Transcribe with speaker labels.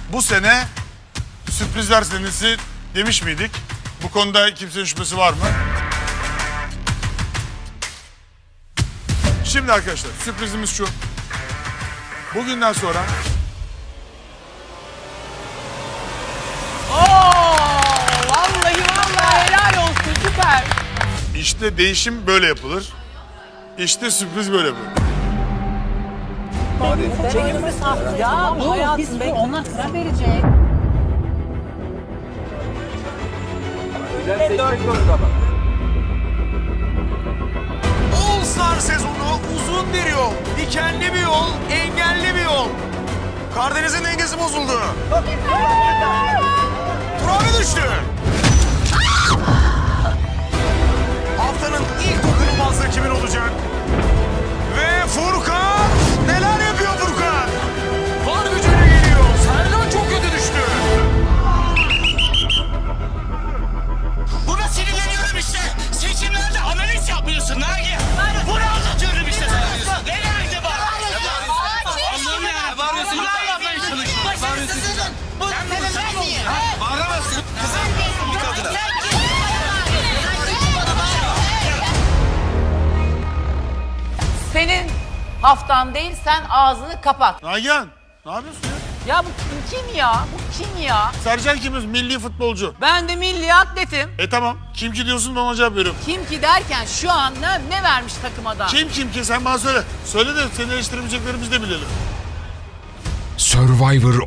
Speaker 1: Bu sene sürprizler senesi demiş miydik? Bu konuda kimsenin şüphesi var mı? Şimdi arkadaşlar sürprizimiz şu. Bugünden sonra
Speaker 2: Vallahi helal olsun, süper.
Speaker 1: işte değişim böyle yapılır. İşte sürpriz böyle yapılır.
Speaker 2: Ya bu hayatım bekle. Onlar karar verecek.
Speaker 3: All Star sezonu uzun bir yol, dikenli bir yol, engelli bir yol. Karadeniz'in dengesi bozuldu. Turabi düştü. Haftanın ilk dokunulmazlığı kimin olacak? Ve Furkan! Neler yapıyor Furkan? Var gücüne geliyor. Sercan çok kötü düştü.
Speaker 4: Buna sinirleniyorum işte. Seçimlerde analiz yapmıyorsun Nagi. Bunu anlatıyorum işte sana. Ne nerede bak? Allah'ım ya. Bağırıyorsun. Bunu yapmaya çalışıyorum. Bağırıyorsun. Sen de sen niye? Bağıramazsın. Kızım bir kadına.
Speaker 2: Senin haftan değil, sen ağzını kapat.
Speaker 1: Nagihan ne yapıyorsun ya?
Speaker 2: Ya bu kim ya? Bu kim ya?
Speaker 1: Sercan kimiz? Milli futbolcu.
Speaker 2: Ben de milli atletim.
Speaker 1: Tamam. Kim ki diyorsun ben ona cevap veriyorum.
Speaker 2: Kim ki derken şu an ne vermiş takıma da?
Speaker 1: Kim ki sen bana söyle. Söyle de seni eleştiremeyeceklerimizi de bilelim.
Speaker 5: Survivor